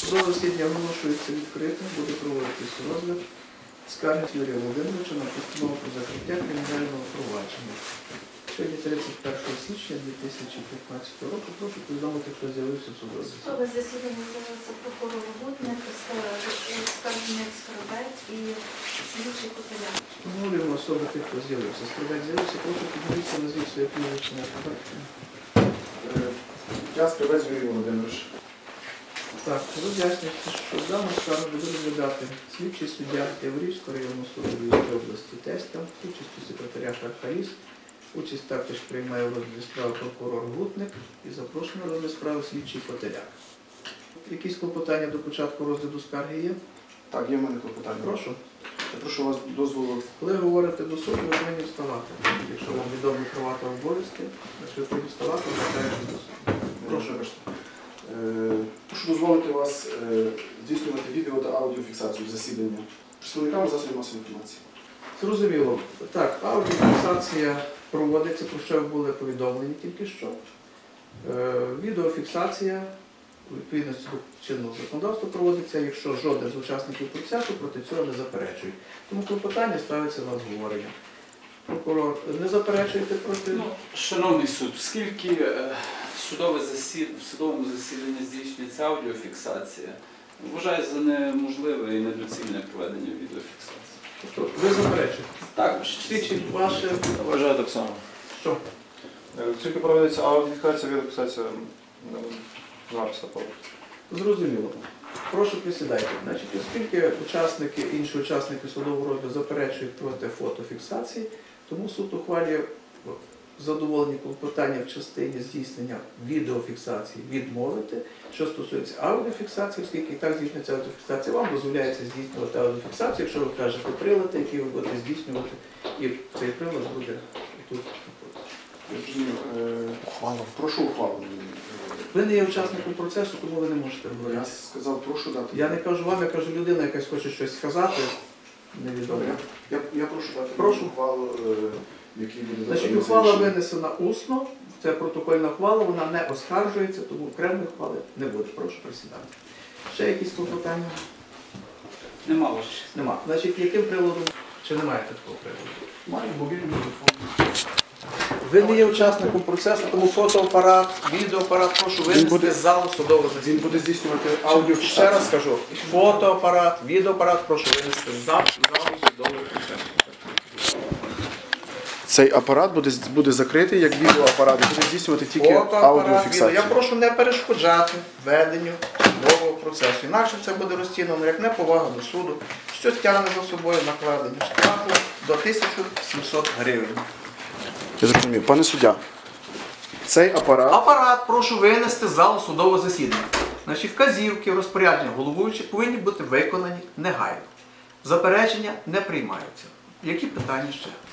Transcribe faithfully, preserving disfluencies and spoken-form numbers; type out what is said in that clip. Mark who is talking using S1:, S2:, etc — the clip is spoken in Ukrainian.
S1: Судове засідання оголошується відкритим, буде проводитись розгляд скарги Юрія Володимировича на постанову про закриття кримінального провадження. Сьогодні тридцять першого січня дві тисячі п'ятнадцятого року. Прошу повідомити, хто з'явився в судове засідання.
S2: Судове засідання з'явився прокурор Гутник, скаржник Скоробець і слідчий Котеляк.
S1: Встановлюємо особи тих, хто з'явився. Скоробець з'явився, прошу підмовитися, назвіть своє прізвище на фотографії.
S3: Я Скоробець Юрій Володимирович.
S1: Так, роз'яснюється, що дану скаргу буде розглядати слідчий суддя Яворівського районного суду Львівської області Тестя, участю секретаря Хархаліс. Участь також приймає в розгляді справи прокурор Гутник і запрошений на розгляд справи слідчий Котеляк. Якісь клопотання до початку розгляду скарги є?
S3: Так, є в мене клопотання.
S1: Прошу.
S3: Я прошу вас дозволу.
S1: Коли говорите до суду, ви повинні вставати. Якщо вам відомі права та обов'язки, якщо ви повинні вставати, звертаєтесь до суду.
S3: Прошу. Е, прошу дозволити вас е, здійснювати відео та аудіофіксацію засідання представниками засобів масової інформації.
S1: Зрозуміло. Так, аудіофіксація проводиться, про що ви були повідомлені тільки що. Е, відеофіксація у відповідності до чинного законодавства проводиться, якщо жоден з учасників процесу проти цього не заперечує. Тому клопотання ставиться на обговорення. Прокурор, не заперечуєте проти?
S4: Ну, шановний суд, оскільки е, судове засід... в судовому засіданні здійснюється аудіофіксація, вважаю за неможливе і недоцільне проведення відеофіксації.
S1: Тобто ви заперечуєте?
S4: Так,
S1: Свідчить ваше...
S5: Вважаю так само.
S1: Що?
S5: Тільки проводиться аудіофіксація, відеофіксація записа повністю.
S1: Зрозуміло. Прошу присідайте. Значить, оскільки учасники, інші учасники судового розгляду заперечують проти фотофіксації, тому суд ухвалює задоволені клопотання в частині здійснення відеофіксації відмовити. Що стосується аудіофіксації, оскільки і так здійснюється аудіофіксація, вам дозволяється здійснювати аудіофіксацію, якщо ви кажете прилади, які ви будете здійснювати, і цей прилад буде тут.
S3: Я розумію. Е, ухвалу. Прошу ухвалу.
S1: Ви не є учасником процесу, тому ви не можете говорити.
S3: Я сказав, прошу дати.
S1: Я не кажу вам, я кажу людина, якась хоче щось сказати, невідомо.
S3: Я, я прошу дати
S1: Прошу.
S3: ухвалу, е, який буде
S1: Значить,
S3: дати
S1: ухвала
S3: рішення.
S1: винесена усно, це протокольна ухвала, вона не оскаржується, тому окремої ухвали не буде. Прошу присідати. Ще якісь клопотання?
S4: нема ваше.
S1: Нема. Значить, яким приладом? Чи немає такого приладу?
S3: Маю мобільний телефон.
S1: Ви не є учасником процесу, тому фотоапарат, відеоапарат, прошу винести
S3: буде-
S1: з залу судового
S3: Він
S1: засідання.
S3: буде здійснювати
S1: Ще
S3: аудіофіксацію.
S1: раз скажу, фотоапарат, відеоапарат, прошу винести з залу судового процесу.
S3: Цей апарат буде, буде закритий як відеоапарат, і буде здійснювати тільки
S1: Фотоапарат, відео.
S3: аудіофіксацію.
S1: Я прошу не перешкоджати веденню судового процесу. Інакше це буде розцінено як неповага до суду, що тягне за собою накладення штрафу до тисячі сімсот гривень.
S3: Я зрозумів. Пане суддя, цей апарат
S1: Апарат прошу винести з залу судового засідання. Наші вказівки, розпорядження головуючих повинні бути виконані негайно. Заперечення не приймаються. Які питання ще?